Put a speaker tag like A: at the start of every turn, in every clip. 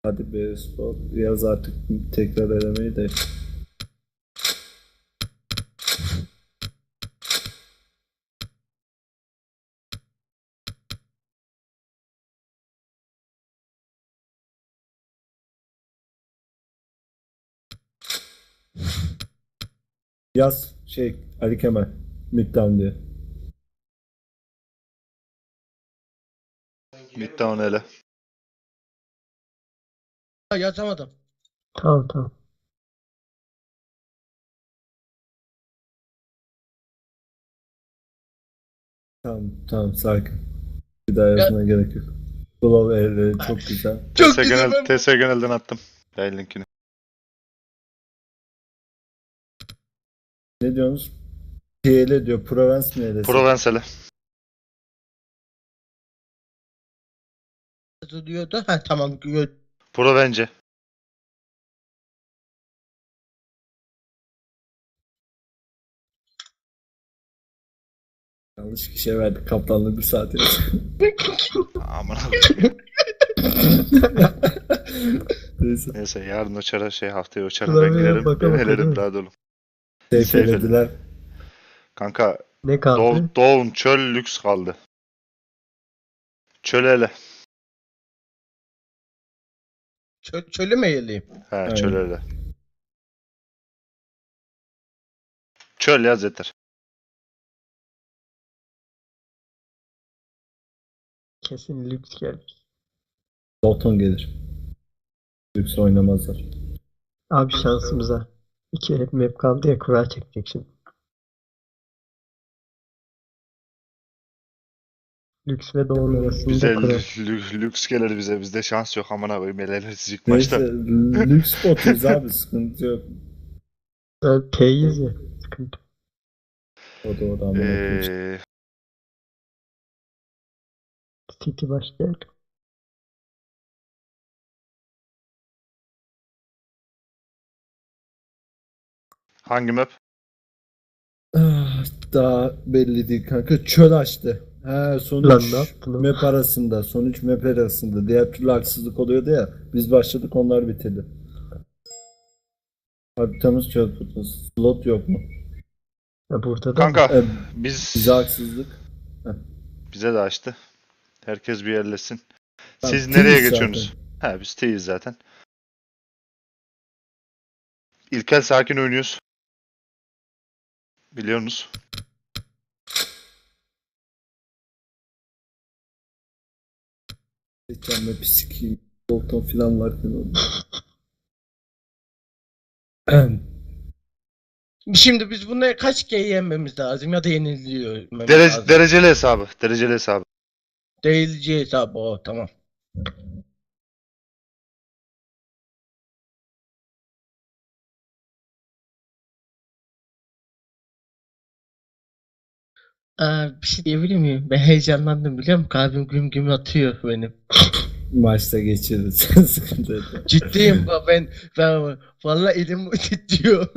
A: Hadi be spor. Yaz artık tekrar elemeyi de. Yaz Ali Kemal. Midtown diye.
B: Midtown ele.
C: Yazamadım.
D: Tamam.
A: Tamam sakin. Bir daha yazmaya gerek yok. Glow elleri çok güzel.
C: Çok güzel.
B: TS Genel'den attım. Yayın linkini.
A: Ne diyorsunuz? PL diyor. Provence mi elesi?
B: Provence ele.
C: Yazılıyordu. Ha tamam.
B: Provence.
A: Yanlış kişiye verdik. Kaptanlığı bir saat yazdı.
B: Aman
A: Neyse.
B: Neyse yarın uçara haftaya uçarım
D: Klavyeye
B: ben girerim.
D: baka
B: Ben
D: baka değil
B: helerim
D: mi?
B: rahat olun.
A: Seyfelediler.
B: Kanka
D: Ne kaldı?
B: Doğun çöl lüks kaldı. Çöl ele.
C: Çölü mü yeleyim?
B: He
A: Aynen.
B: çöl ele. Çöl yaz yeter.
D: Kesin lüks gelir.
A: Dalton gelir. Lüks oynamazlar.
D: Abi şansımıza. 2 hep map kaldı ya, kura çekecek şimdi. Lüks ve doğum arasında
B: Bize
D: kura.
B: lüks gelir bize. Bizde şans yok amına koyayım. Eleler ilk
A: Neyse.
B: başta.
A: Lüks botuz abi. Sıkıntı yok.
D: P'yiz ya. Sıkıntı.
A: O da amına koyayım.
D: City başlayalım.
B: Hangi map?
A: Daha belli değil kanka. Çöl açtı. He son
D: Lan
A: 3
D: ne yaptın oğlum?
A: map arasında. Son 3 map arasında. Diğer türlü haksızlık oluyordu ya. Biz başladık onlar bitirdi. Haritamız çöl fırtınası. Slot yok mu?
D: Ya burada da
B: Kanka
A: Bize
B: biz
A: haksızlık.
B: bize de açtı. Herkes bir yerlesin.
A: Tamam,
B: Siz nereye
A: T'yiz
B: geçiyorsunuz? He biz T'yiz zaten. İlkel sakin oynuyoruz. Biliyorsunuz.
A: Geçen map'i sikeyim. Dalton falan varken oldu.
C: Şimdi biz bunları kaç kere yenmemiz lazım ya da yeniliyor lazım.
B: Dereceli hesabı. Dereceli hesabı.
C: Değilci hesabı o tamam. Bir şey diyebilir miyim? Ben heyecanlandım biliyor musun? Kalbim güm güm atıyor benim.
A: Maçta geçiririz. Sıkıntı yok.
C: Ciddiyim ben vallahi elim titriyor.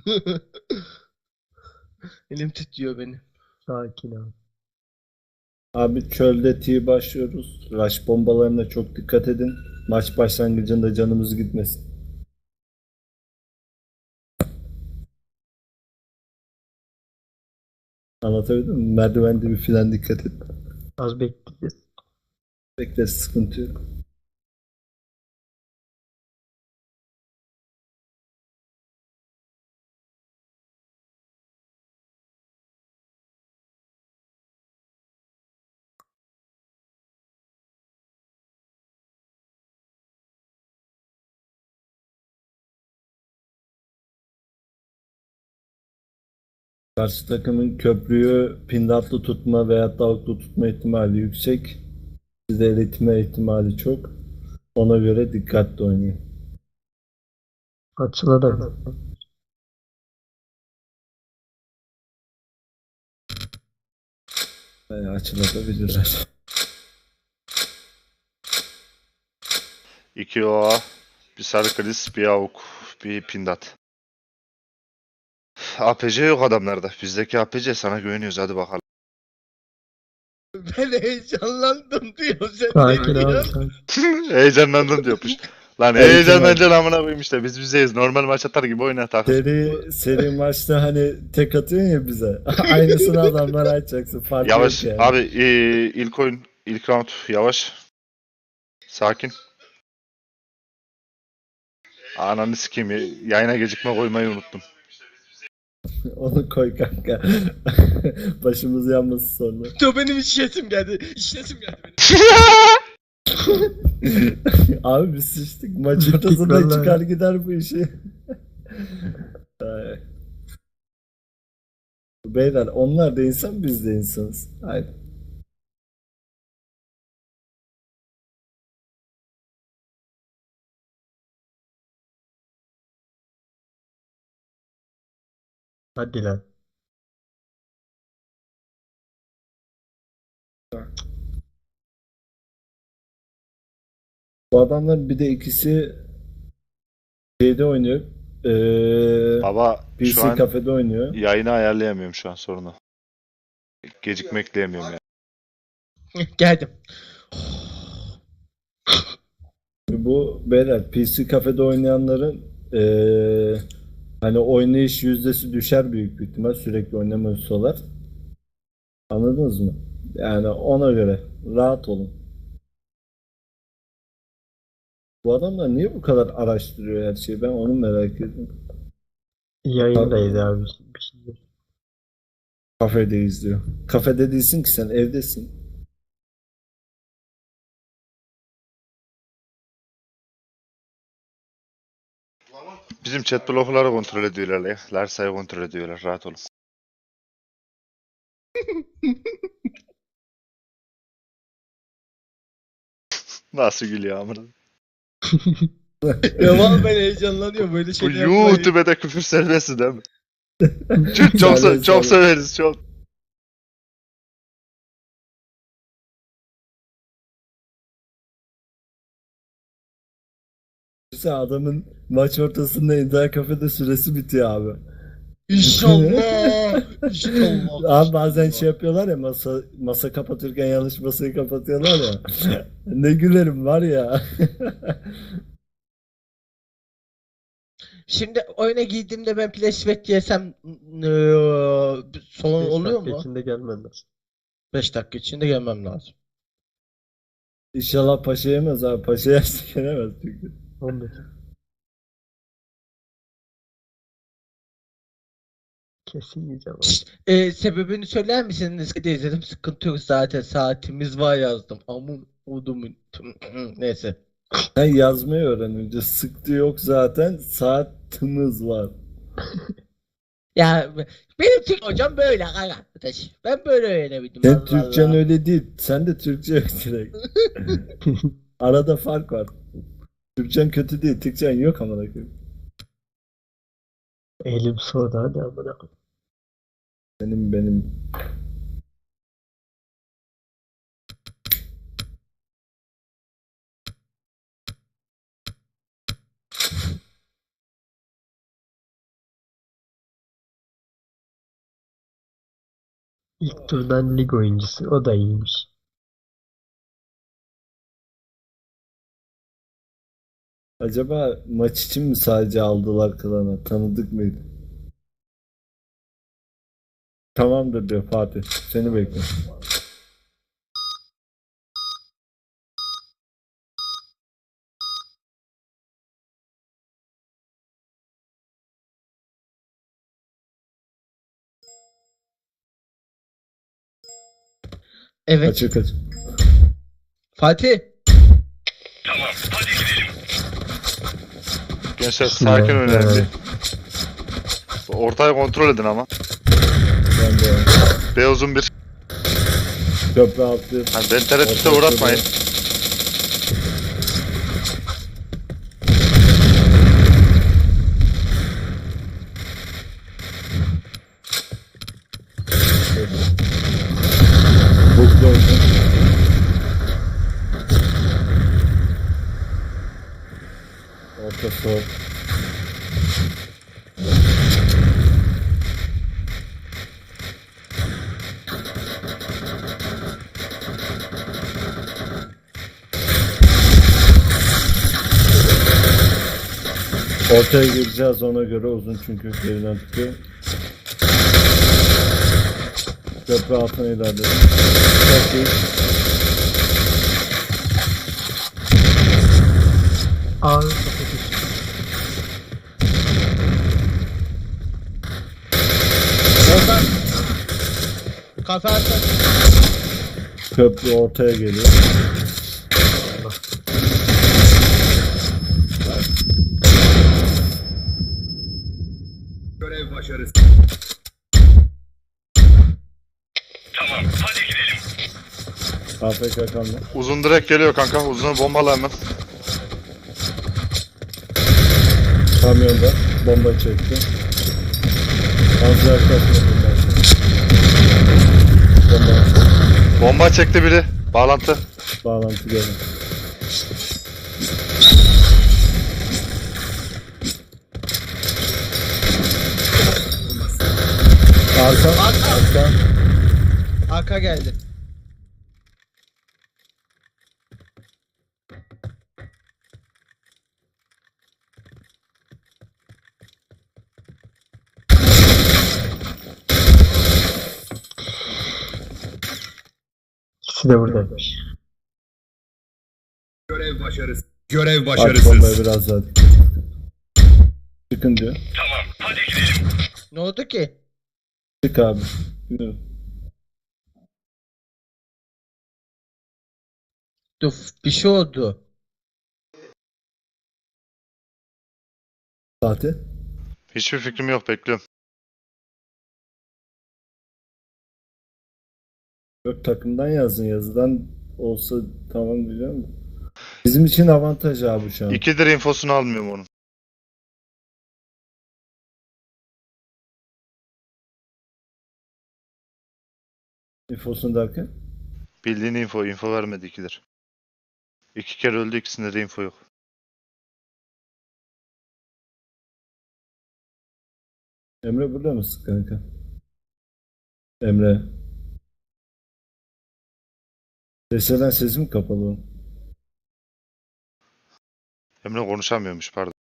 C: Elim titriyor benim.
D: sakin abi.
A: Abi çölde T başlıyoruz. Rush bombalarına çok dikkat edin. Maç başlangıcında canımız gitmesin. Anlatabildim mi? Merdivende bir filan dikkat et.
D: Az bekleyeceğiz.
A: Bekle sıkıntı yok. Karşı takımın köprüyü pindatlı tutma veya dalglı tutma ihtimali yüksek. Size eritme ihtimali çok. Ona göre dikkatli oynayın.
D: Açıla da.
A: Veya açılabilirler.
B: 2 OA, bir sarı kriz, bir avuk, bir pindat. APC yok adamlarda. Bizdeki APC sana güveniyoruz hadi bakalım.
C: Ben heyecanlandım diyor sen
D: Sakin
C: ne
D: abi
C: diyorsun?
D: sakin.
B: Heyecanlandım diyormuş. Lan
A: Evet,
B: heyecanlancan amına koyayım işte. Biz bizeyiz. Normal maç atar gibi oyna takıl.
A: Seri maçta hani tek atıyorsun ya bize. Aynısını adamlara açacaksın. Fark
B: Yavaş.
A: yok yani.
B: Abi ilk oyun, ilk round yavaş. Sakin. Ananı sikeyim. Yayına gecikme koymayı unuttum.
A: Onu koy kanka. Başımız yanmasın sonra.
C: Dur benim işletim geldi. İşletim geldi benim.
A: Abi biz sıçtık. Maç
D: Bittik
A: ortasında
D: vallahi.
A: çıkar gider bu işi. Ay. Beyler onlar da insan biz de insanız. Aynen.
D: Hadi lan.
A: Bu adamlar bir de ikisi şeyde oynuyor.
B: Baba şu
A: PC
B: an
A: kafede oynuyor.
B: yayını ayarlayamıyorum şu an sorunu. Gecikme ekleyemiyorum ya.
C: Geldim.
A: Bu beyler PC kafede oynayanların hani oynayış yüzdesi düşer büyük bir ihtimal sürekli oynamıyorsalar. Anladınız mı? Yani ona göre rahat olun. Bu adamlar niye bu kadar araştırıyor her şeyi? Ben onu merak ediyorum.
D: Yayındayız abi. Bir şey yok.
A: Kafede izliyor. Kafede değilsin ki sen evdesin.
B: Bizim chat blokları kontrol ediyorlar ya. Larsa'yı kontrol ediyorlar. Rahat olun. Nasıl gülüyor amına?
C: Ya vallahi ben heyecanlanıyorum böyle
B: Bu
C: şeyler yapmayı.
B: YouTube'da küfür serbest değil mi? Çok
A: Serbest,
B: çok
A: serbest.
B: severiz çok.
A: İşte adamın maç ortasında internet kafede süresi bitiyor abi.
C: İnşallah. İnşallah.
A: Abi bazen şey yapıyorlar ya masa kapatırken yanlış masayı kapatıyorlar ya. Ne gülerim var ya.
C: Şimdi oyuna giydiğimde ben flashback giysem sorun
D: 5
C: oluyor
D: dakika
C: mu?
D: içinde gelmen lazım.
C: 5 dakika içinde gelmem lazım.
A: İnşallah paşa yemez abi. Paşa yerse gelemez çünkü.
D: 15. Kesin yiyeceğim abi.
C: Şşt, sebebini söyler misiniz? De izledim sıkıntı yok zaten saatimiz var yazdım. Amun odumun. Neyse.
A: Sen yazmayı öğren önce. Sıktı yok zaten. Saatimiz var.
C: Ya benim Türk hocam böyle arkadaş. Ben böyle öğrenebildim.
A: Sen
C: Allah
A: Türkçen
C: Allah.
A: öyle değil. Sen de Türkçe yok direkt. Arada fark var. Türkçen kötü değil. Türkçen yok amına koyayım.
D: Elim soğudu hadi amına koyayım.
A: Benim.
D: İlk turdan lig oyuncusu. O da iyiymiş.
A: Acaba maç için mi sadece aldılar klanı? Tanıdık mıydı? Tamamdır diyor Fatih. Seni bekliyorum.
C: Evet.
A: Açık açık.
C: Fatih.
B: Gençler sakin
D: Ya,
B: oynayın
D: evet.
B: bir. Ortayı kontrol edin ama.
A: Ben de
B: Beyozun bir.
A: köprü altı.
B: Hani beni tereddüte
A: Orta
B: uğratmayın.
A: Buklu olsun. Orta sol. Ortaya gireceğiz ona göre, uzun çünkü geriden tutuyor. Köprü altına ilerledim. Çok iyi.
D: Ağır kafa düştü.
C: Oradan kafe atın.
A: Köprü ortaya geliyor.
E: Görev başarısı.
A: AFK kalma.
B: Uzun direkt geliyor kanka. Uzunu bombala hemen.
A: Kamyonda bomba çekti. Fazla yaklaşmadım ben. Bomba
B: Bomba çekti biri. Bağlantı.
A: bağlantı geldi. Arka.
C: Arka geldi.
D: İkisi de buradaymış.
E: Görev başarısı. Görev
A: Aç bombayı
E: başarısız.
A: biraz daha. Çıkın diyor.
C: Ne oldu ki?
A: Çık abi. Bilmiyorum.
C: Dur, bir şey oldu.
A: Saati.
B: Hiçbir fikrim yok. Bekliyorum.
A: Yok, takımdan yazın, yazıdan olsa tamam biliyor musun? Bizim için avantaj abi şu an.
B: 2'dir infosunu almıyorum onun.
A: İnfosunu derken.
B: Bildiğin info vermedi 2'dir. 2 kere öldü, ikisinde de info yok.
A: Emre burada mısın kanka? Emre. Seslerden sesim kapalı.
B: Emre konuşamıyormuş, pardon.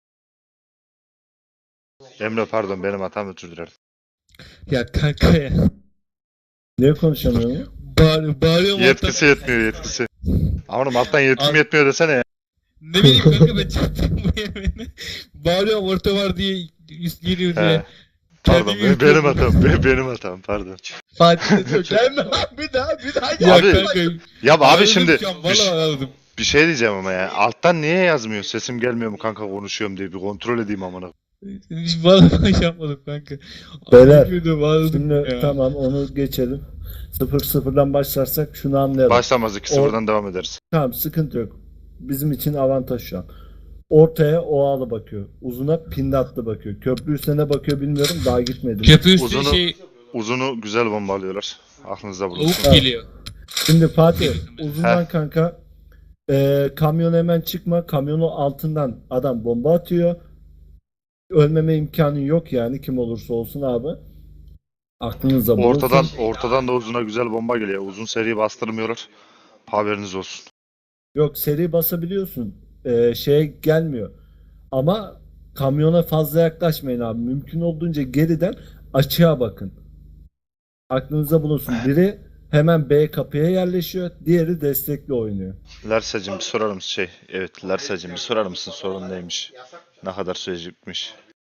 B: Emre pardon, benim hatam, özür dilerim.
C: Ya kanka ya.
A: Niye konuşamıyorum?
C: Bağırıyorum
B: Yetkisi yetmiyor, yetkisi. Amanım alttan yetkim
C: Al.
B: yetmiyor desene ya.
C: Ne bileyim kanka, ben çarptım bu yemeğini. Bağırıyorum orta var diye üst geliyor diye.
B: He. Pardon,
C: Kendimi
B: benim
C: yırtıyorum.
B: hatam, benim hatam, pardon.
C: Fatih gelme abi, bir daha
B: Ya
C: ya
B: abi,
C: kanka.
B: Ya abi
C: Anladım
B: şimdi
C: şu an, vallahi anladım.
B: bir şey diyeceğim ama ya. Alttan niye yazmıyor? Sesim gelmiyor mu kanka, konuşuyorum diye bir kontrol edeyim amına.
C: Hiç vallahi şey yapmadım kanka.
A: Beyler,
C: Anladım, anladım
A: Şimdi
C: ya.
A: tamam, onu geçelim. 0-0'dan başlarsak şunu anlayalım.
B: Başlamaz, 2-0'dan devam ederiz.
A: Tamam, sıkıntı yok. Bizim için avantaj şu an. Ortaya Oğalı bakıyor. Uzuna Pindatlı bakıyor. Köprü üstüne bakıyor, bilmiyorum, daha gitmedim.
C: Köprü üstü
B: Uzunu-
C: şey
B: Uzunu güzel bombalıyorlar. Aklınızda bulunsun.
C: lavuk geliyor.
A: Şimdi Fatih,
C: Heh.
A: uzundan kanka kamyon hemen çıkma. Kamyonun altından adam bomba atıyor. Ölmeme imkanı yok yani, kim olursa olsun abi. Aklınızda bulunsun.
B: Ortadan da uzuna güzel bomba geliyor. Uzun seri bastırmıyorlar. Haberiniz olsun.
A: Yok, seri basabiliyorsun. Şeye gelmiyor. Ama kamyona fazla yaklaşmayın abi. Mümkün olduğunca geriden açığa bakın. Aklınıza bulunsun. Biri hemen B kapıya yerleşiyor. Diğeri destekli oynuyor.
B: Lersacım bir sorar mısın Evet, Lersacım bir sorar mısın, sorun neymiş? Ne kadar sürecekmiş?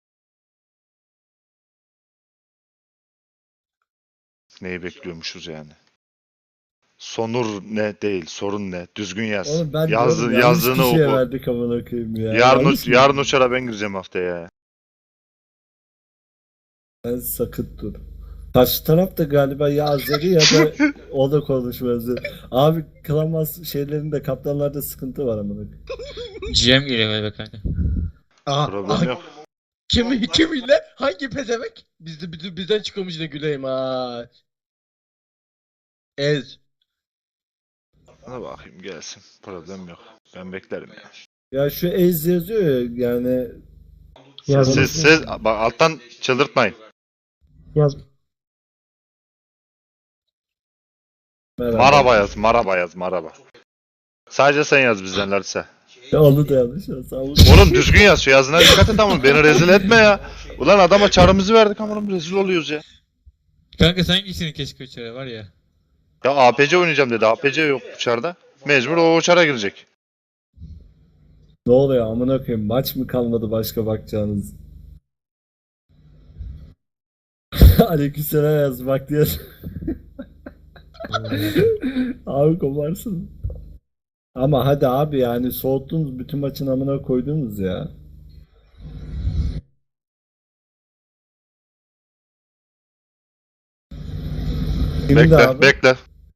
B: Neyi bekliyormuşuz yani? Sonur ne değil, sorun ne? Düzgün yaz.
A: Oğlum ben diyorum, yanlış
B: Yazdığını
A: kişiye
B: oku.
A: verdik amına koyayım ya.
B: Yarın,
A: Yanlış mı?
B: yarın uçara ben gireceğim haftaya.
A: Sen sakın dur. Karşı taraf da galiba ya Azeri ya da o da konuşmaz. Abi Klamas şeylerinde, kaptanlarda sıkıntı var amına koyayım.
F: GM geliyor galiba kanka.
C: Aha,
B: Problem yok.
C: Kiminle? Hangi pezevenk? Bizden çıkıyormuş da güleyim ha. Ez.
B: Hadi bakayım gelsin. Problem yok. Ben beklerim ya.
A: Ya şu Ez yazıyor ya, yani
D: Yaz.
B: Siz bak alttan çıldırtmayın.
D: Yaz.
A: merhaba.
B: Maraba yaz, maraba yaz, maraba. Sadece sen yaz bizden Larsa.
A: Ya onu da yanlış ya. Sağ olun.
B: Oğlum düzgün yaz. Şu yazına dikkat et ama beni rezil etme ya. Ulan adama çarımızı verdik ama rezil oluyoruz ya.
F: Kanka sen gitsin keşke uçara var ya.
B: Ya APC oynayacağım dedi. APC yok uçarda. Mecbur o uçara girecek.
A: Ne oluyor amına koyayım? Maç mı kalmadı başka bakacağınız? Aleykümselam yaz bak diye. Abi kovarsın. Ama hadi abi yani soğuttunuz bütün maçın amına koydunuz ya. Kimdi
B: Bekle,
A: abi?
B: bekle.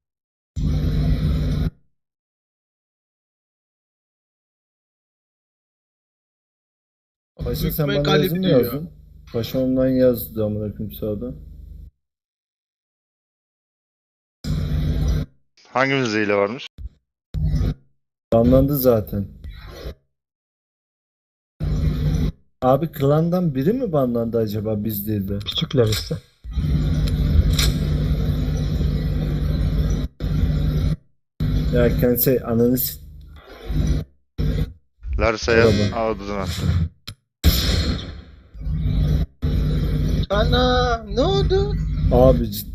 A: Paşa sen
C: Hükmen
A: bana yazı
C: Galip
A: mı
C: diyor.
A: yazdın? Paşa online yazdı amına koyayım sağda.
B: Hangimizde hile varmış?
A: Banlandı zaten. Abi klandan biri mi banlandı acaba biz değil de?
D: Küçükler işte.
A: Ya kendisi ananı
B: Larsa'ya
A: Merhaba.
B: ağzına attı.
C: Ana ne oldu?
A: abi ciddi